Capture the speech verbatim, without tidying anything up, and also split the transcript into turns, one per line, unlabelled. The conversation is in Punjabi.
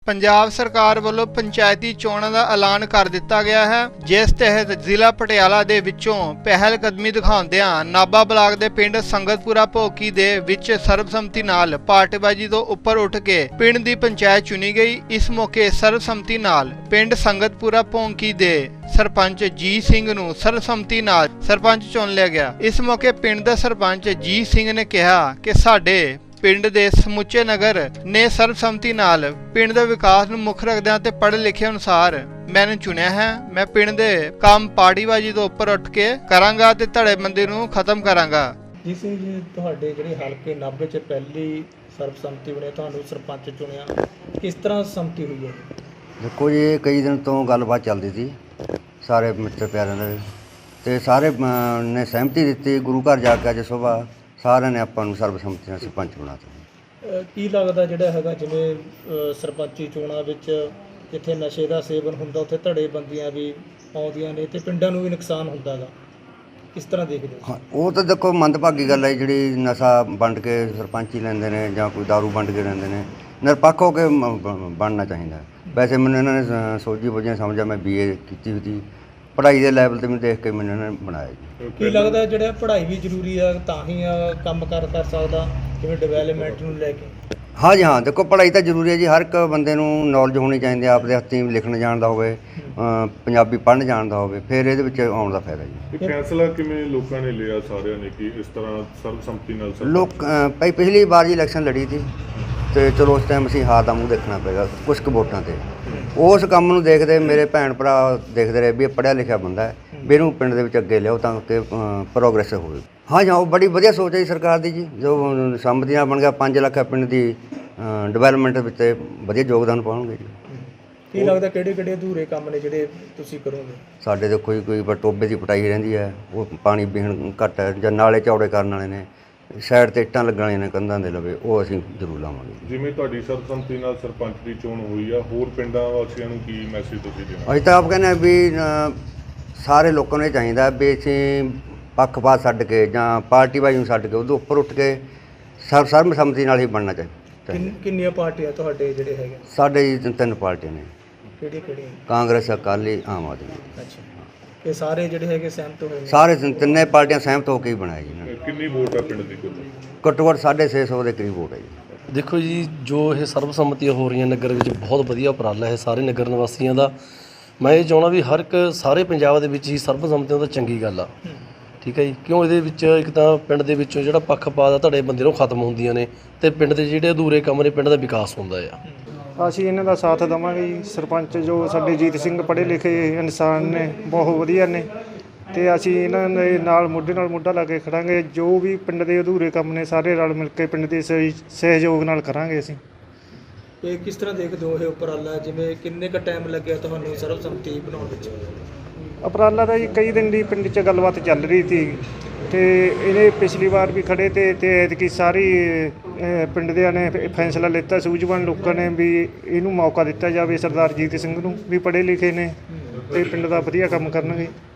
ਪੰਜਾਬ ਸਰਕਾਰ ਵੱਲੋਂ ਪੰਚਾਇਤੀ ਚੋਣਾਂ ਦਾ ਐਲਾਨ ਕਰ ਦਿੱਤਾ ਗਿਆ ਹੈ, ਜਿਸ ਤਹਿਤ ਜ਼ਿਲ੍ਹਾ ਪਟਿਆਲਾ ਦੇ ਵਿੱਚੋਂ ਪਹਿਲ ਕਦਮੀ ਦਿਖਾਉਂਦਿਆਂ ਨਾਭਾ ਬਲਾਕ ਦੇ ਪਿੰਡ ਸੰਗਤਪੁਰਾ ਭੋਕੀ ਦੇ ਵਿੱਚ ਸਰਬਸੰਮਤੀ ਨਾਲ ਪਾਰਟੀਬਾਜ਼ੀ ਤੋਂ ਉੱਪਰ ਉੱਠ ਕੇ ਪਿੰਡ ਦੀ ਪੰਚਾਇਤ ਚੁਣੀ ਗਈ। ਇਸ ਮੌਕੇ ਸਰਬਸੰਮਤੀ ਨਾਲ ਪਿੰਡ ਸੰਗਤਪੁਰਾ ਭੋਕੀ ਦੇ ਸਰਪੰਚ ਜੀ ਸਿੰਘ ਨੂੰ ਸਰਬਸੰਮਤੀ ਨਾਲ ਸਰਪੰਚ ਚੁਣ ਲਿਆ ਗਿਆ। ਇਸ ਮੌਕੇ ਪਿੰਡ ਦਾ ਸਰਪੰਚ ਜੀ ਸਿੰਘ ਨੇ ਕਿਹਾ ਕਿ ਸਾਡੇ ਪਿੰਡ ਦੇ ਸਮੁੱਚੇ ਨਗਰ ਨੇ ਸਰਬਸੰਮਤੀ ਨਾਲ ਪਿੰਡ ਦੇ ਵਿਕਾਸ ਨੂੰ ਮੁੱਖ ਰੱਖਦਿਆਂ ਤੇ ਪੜ੍ਹੇ ਲਿਖੇ ਅਨੁਸਾਰ ਮੈਨੂੰ ਚੁਣਿਆ ਹੈ। ਮੈਂ ਪਿੰਡ ਦੇ ਕੰਮ ਪਾਰਟੀਬਾਜ਼ੀ ਤੋਂ ਉੱਪਰ ਉੱਠ ਕੇ ਕਰਾਂਗਾ ਤੇ ਧੜੇਬੰਦੀ ਨੂੰ ਖਤਮ ਕਰਾਂਗਾ।
ਜੀ ਸਿੰਘ ਜੀ, ਤੁਹਾਡੇ ਜਿਹੜੇ ਹਲਕੇ ਨਾਭੇ 'ਚ ਪਹਿਲੀ ਸਰਬਸੰਮਤੀ ਬਣੇ, ਤੁਹਾਨੂੰ ਸਰਪੰਚ ਚੁਣਿਆ, ਕਿਸ ਤਰ੍ਹਾਂ ਸੰਮਤੀ ਹੋਈ ਹੈ?
ਦੇਖੋ ਜੀ, ਇਹ ਕਈ ਦਿਨ ਤੋਂ ਗੱਲਬਾਤ ਚੱਲਦੀ ਸੀ ਸਾਰੇ ਮਿੱਤਰ ਪਿਆਰਿਆਂ ਦੇ, ਤੇ ਸਾਰੇ ਨੇ ਸਹਿਮਤੀ ਦਿੱਤੀ। ਗੁਰੂ ਘਰ ਜਾ ਕੇ ਅੱਜ ਸੁਬਾਹ ਸਾਰਿਆਂ ਨੇ ਆਪਾਂ ਨੂੰ ਸਰਬਸੰਮਤੀ ਨਾਲ ਸਰਪੰਚ ਬਣਾਤਾ।
ਕੀ ਲੱਗਦਾ ਜਿਹੜਾ ਹੈਗਾ ਜਿਵੇਂ ਸਰਪੰਚੀ ਚੋਣਾਂ ਵਿੱਚ ਜਿੱਥੇ ਨਸ਼ੇ ਦਾ ਸੇਵਨ ਹੁੰਦਾ ਉੱਥੇ ਧੜੇਬੰਦੀਆਂ ਵੀ ਆਉਂਦੀਆਂ ਨੇ ਤੇ ਪਿੰਡਾਂ ਨੂੰ ਵੀ ਨੁਕਸਾਨ ਹੁੰਦਾ ਗਾ, ਕਿਸ ਤਰ੍ਹਾਂ ਦੇਖਦੇ ਹੋ?
ਹਾਂ, ਉਹ ਤਾਂ ਦੇਖੋ ਮੰਦਭਾਗੀ ਗੱਲ ਹੈ ਜਿਹੜੀ ਨਸ਼ਾ ਵੰਡ ਕੇ ਸਰਪੰਚੀ ਲੈਂਦੇ ਨੇ ਜਾਂ ਕੋਈ ਦਾਰੂ ਵੰਡ ਕੇ ਲੈਂਦੇ ਨੇ। ਨਿਰਪੱਖ ਹੋ ਕੇ ਬਣਨਾ ਚਾਹੀਦਾ। ਵੈਸੇ ਮੈਨੂੰ ਇਹਨਾਂ ਨੇ ਸੋਝੀ ਬੁੱਝੀ ਸਮਝਿਆ, ਮੈਂ ਬੀ ਏ ਕੀਤੀ ਹੋਈ ਸੀ, ਪੜ੍ਹਾਈ ਦੇ ਲੈਵਲ 'ਤੇ ਮੈਨੂੰ ਦੇਖ ਕੇ ਮੈਨੂੰ ਇਹਨਾਂ ਨੇ ਬਣਾਇਆ ਜੀ।
ਕੀ ਲੱਗਦਾ ਜਿਹੜਾ ਪੜ੍ਹਾਈ ਵੀ ਜ਼ਰੂਰੀ ਆ ਤਾਂ ਹੀ ਕੰਮ ਕਰ ਕਰ ਸਕਦਾ ਜਿਵੇਂ ਡਿਵੈਲਪਮੈਂਟ ਨੂੰ ਲੈ ਕੇ?
ਹਾਂ ਜੀ, ਹਾਂ, ਦੇਖੋ ਪੜ੍ਹਾਈ ਤਾਂ ਜ਼ਰੂਰੀ ਹੈ ਜੀ। ਹਰ ਇੱਕ ਬੰਦੇ ਨੂੰ ਨੌਲੇਜ ਹੋਣੀ ਚਾਹੀਦੀ ਹੈ, ਆਪਦੇ ਹੱਥੀਂ ਲਿਖਣ ਜਾਣਦਾ ਹੋਵੇ, ਪੰਜਾਬੀ ਪੜ੍ਹਨ ਜਾਣਦਾ ਹੋਵੇ, ਫਿਰ ਇਹਦੇ ਵਿੱਚ ਆਉਣ ਦਾ ਫਾਇਦਾ ਜੀ।
ਇਹ ਫੈਸਲਾ ਕਿਵੇਂ ਲੋਕਾਂ ਨੇ ਲਿਆ ਸਾਰਿਆਂ ਨੇ ਕਿ ਇਸ ਤਰ੍ਹਾਂ ਸਰਬਸੰਮਤੀ ਨਾਲ?
ਲੋਕ ਭਾਈ ਪਿਛਲੀ ਵਾਰ ਜੀ ਇਲੈਕਸ਼ਨ ਲੜੀ ਸੀ ਅਤੇ ਚਲੋ ਉਸ ਟਾਈਮ ਅਸੀਂ ਹਾਰ ਦਾ ਮੂੰਹ ਦੇਖਣਾ ਪਏਗਾ ਕੁਛ ਕੁ ਵੋਟਾਂ 'ਤੇ। ਉਸ ਕੰਮ ਨੂੰ ਦੇਖਦੇ ਮੇਰੇ ਭੈਣ ਭਰਾ ਦੇਖਦੇ ਰਹੇ ਵੀ ਇਹ ਪੜ੍ਹਿਆ ਲਿਖਿਆ ਬੰਦਾ ਹੈ, ਵੀ ਇਹਨੂੰ ਪਿੰਡ ਦੇ ਵਿੱਚ ਅੱਗੇ ਲਿਆਓ ਤਾਂ ਕਿ ਪ੍ਰੋਗਰੈਸ ਹੋਵੇ। ਹਾਂ ਜੀ, ਉਹ ਬੜੀ ਵਧੀਆ ਸੋਚ ਹੈ ਜੀ ਸਰਕਾਰ ਦੀ ਜੀ। ਜੋ ਸੰਮਤੀ ਨਾਲ ਬਣ ਗਿਆ ਪੰਜ ਲੱਖ ਪਿੰਡ ਦੀ ਡਿਵੈਲਪਮੈਂਟ ਵਿੱਚ ਵਧੀਆ ਯੋਗਦਾਨ ਪਾਉਣਗੇ ਜੀ।
ਕੀ ਲੱਗਦਾ ਕਿਹੜੇ ਕਿਹੜੇ ਅਧੂਰੇ ਕੰਮ ਨੇ ਜਿਹੜੇ ਤੁਸੀਂ ਕਰੋਗੇ?
ਸਾਡੇ ਤਾਂ ਕੋਈ ਕੋਈ ਟੋਬੇ ਦੀ ਪਟਾਈ ਰਹਿੰਦੀ ਹੈ, ਉਹ ਪਾਣੀ ਪੀਣ ਘੱਟ ਹੈ, ਜਾਂ ਨਾਲੇ ਚੌੜੇ ਕਰਨ ਵਾਲੇ ਨੇ, ਸਾਈਡ 'ਤੇ ਇੱਟਾਂ ਲੱਗਣ ਵਾਲੀਆਂ ਨੇ ਕੰਧਾਂ ਦੇ ਲਵੇ, ਉਹ ਅਸੀਂ ਜ਼ਰੂਰ ਲਾਵਾਂਗੇ।
ਜਿਵੇਂ ਤੁਹਾਡੀ ਸਰਬਸੰਮਤੀ ਨਾਲ ਸਰਪੰਚ ਦੀ ਚੋਣ ਹੋਈ ਆ, ਹੋਰ ਪਿੰਡਾਂ ਵਾਸੀਆਂ ਨੂੰ ਕੀ ਮੈਸੇਜ ਤੁਸੀਂ ਦੇਣਾ?
ਅਸੀਂ ਤਾਂ ਆਪ ਕਹਿੰਦੇ ਹਾਂ ਵੀ ਸਾਰੇ ਲੋਕਾਂ ਨੂੰ ਇਹ ਚਾਹੀਦਾ ਵੀ ਅਸੀਂ ਪੱਖਪਾਤ ਛੱਡ ਕੇ ਜਾਂ ਪਾਰਟੀਬਾਜ਼ੀ ਨੂੰ ਛੱਡ ਕੇ ਉਹਦੇ ਉੱਪਰ ਉੱਠ ਕੇ ਸਰਬ ਸਰਬਸੰਮਤੀ ਨਾਲ ਹੀ ਬਣਨਾ ਚਾਹੀਦਾ।
ਕਿੰਨੀਆਂ ਪਾਰਟੀਆਂ ਤੁਹਾਡੇ ਜਿਹੜੇ ਹੈਗੇ?
ਸਾਡੇ ਜੀ ਤਿੰਨ ਪਾਰਟੀਆਂ ਨੇ।
ਕਿਹੜੀਆਂ ਕਿਹੜੀਆਂ?
ਕਾਂਗਰਸ, ਅਕਾਲੀ, ਆਮ ਆਦਮੀ।
ਅੱਛਾ, ਇਹ ਸਾਰੇ ਜਿਹੜੇ ਹੈਗੇ ਸਹਿਮਤ ਹੋਏ ਨੇ?
ਸਾਰੇ ਤਿੰਨੇ ਪਾਰਟੀਆਂ ਸਹਿਮਤ ਹੋ ਕੇ ਹੀ ਬਣਾਇਆ ਜੀ।
ਕਿੰਨੀ ਵੋਟ ਆ ਪਿੰਡ ਦੀ ਕੁੱਲ?
ਘੱਟੋ ਘੱਟ ਸਾਢੇ ਛੇ ਸੌ ਦੇ ਕਰੀਬ ਵੋਟ ਹੈ ਜੀ।
ਦੇਖੋ ਜੀ, ਜੋ ਇਹ ਸਰਬਸੰਮਤੀਆਂ ਹੋ ਰਹੀਆਂ ਨਗਰ ਵਿੱਚ ਬਹੁਤ ਵਧੀਆ ਉਪਰਾਲਾ ਹੈ ਸਾਰੇ ਨਗਰ ਨਿਵਾਸੀਆਂ ਦਾ। ਮੈਂ ਇਹ ਚਾਹੁੰਦਾ ਵੀ ਹਰ ਇੱਕ ਸਾਰੇ ਪੰਜਾਬ ਦੇ ਵਿੱਚ ਹੀ ਸਰਬਸੰਮਤੀਆਂ ਤਾਂ ਚੰਗੀ ਗੱਲ ਆ, ਠੀਕ ਹੈ ਜੀ। ਕਿਉਂ ਇਹਦੇ ਵਿੱਚ ਇੱਕ ਤਾਂ ਪਿੰਡ ਦੇ ਵਿੱਚੋਂ ਜਿਹੜਾ ਪੱਖਪਾਤ ਆ ਧੜੇ ਬੰਦੇ ਨੂੰ ਖਤਮ ਹੁੰਦੀਆਂ ਨੇ ਅਤੇ ਪਿੰਡ ਦੇ ਜਿਹੜੇ ਅਧੂਰੇ ਕੰਮ ਨੇ ਪਿੰਡ ਦਾ ਵਿਕਾਸ ਹੁੰਦਾ ਆ।
ਅਸੀਂ ਇਹਨਾਂ ਦਾ ਸਾਥ ਦੇਵਾਂਗੇ ਜੀ। ਸਰਪੰਚ ਜੋ ਸਾਡੇ ਜੀਤ ਸਿੰਘ ਪੜ੍ਹੇ ਲਿਖੇ ਇਨਸਾਨ ਨੇ, ਬਹੁਤ ਵਧੀਆ ਨੇ, ਅਤੇ ਅਸੀਂ ਇਹਨਾਂ ਦੇ ਨਾਲ ਮੋਢੇ ਨਾਲ ਮੋਢਾ ਲਾ ਕੇ ਖੜਾਂਗੇ। ਜੋ ਵੀ ਪਿੰਡ ਦੇ ਅਧੂਰੇ ਕੰਮ ਨੇ ਸਾਰੇ ਰਲ ਮਿਲ ਕੇ ਪਿੰਡ ਦੇ ਸਹਿ ਸਹਿਯੋਗ ਨਾਲ ਕਰਾਂਗੇ ਅਸੀਂ।
ਇਹ ਕਿਸ ਤਰ੍ਹਾਂ ਦੇਖਦੇ ਹੋ ਇਹ ਉਪਰਾਲਾ? ਜਿਵੇਂ ਕਿੰਨੇ ਕੁ ਟਾਈਮ ਲੱਗਿਆ ਤੁਹਾਨੂੰ ਸਰਬਸੰਮਤੀ ਬਣਾਉਣ ਵਿੱਚ?
ਉਪਰਾਲਾ ਦਾ ਜੀ ਕਈ ਦਿਨ ਦੀ ਪਿੰਡ 'ਚ ਗੱਲਬਾਤ ਚੱਲ ਰਹੀ ਸੀ, ਅਤੇ ਇਹਨੇ ਪਿਛਲੀ ਵਾਰ ਵੀ ਖੜ੍ਹੇ ਤੇ ਅਤੇ ਐਤਕੀ ਸਾਰੀ ਪਿੰਡ ਦਿਆਂ ਨੇ ਫੈਸਲਾ ਲਿੱਤਾ, ਸੂਝਵਾਨ ਲੋਕਾਂ ਨੇ, ਵੀ ਇਹਨੂੰ ਮੌਕਾ ਦਿੱਤਾ ਜਾਵੇ ਸਰਦਾਰ ਜੀਤ ਸਿੰਘ ਨੂੰ, ਵੀ ਪੜ੍ਹੇ ਲਿਖੇ ਨੇ ਅਤੇ ਪਿੰਡ ਦਾ ਵਧੀਆ ਕੰਮ ਕਰਨਗੇ।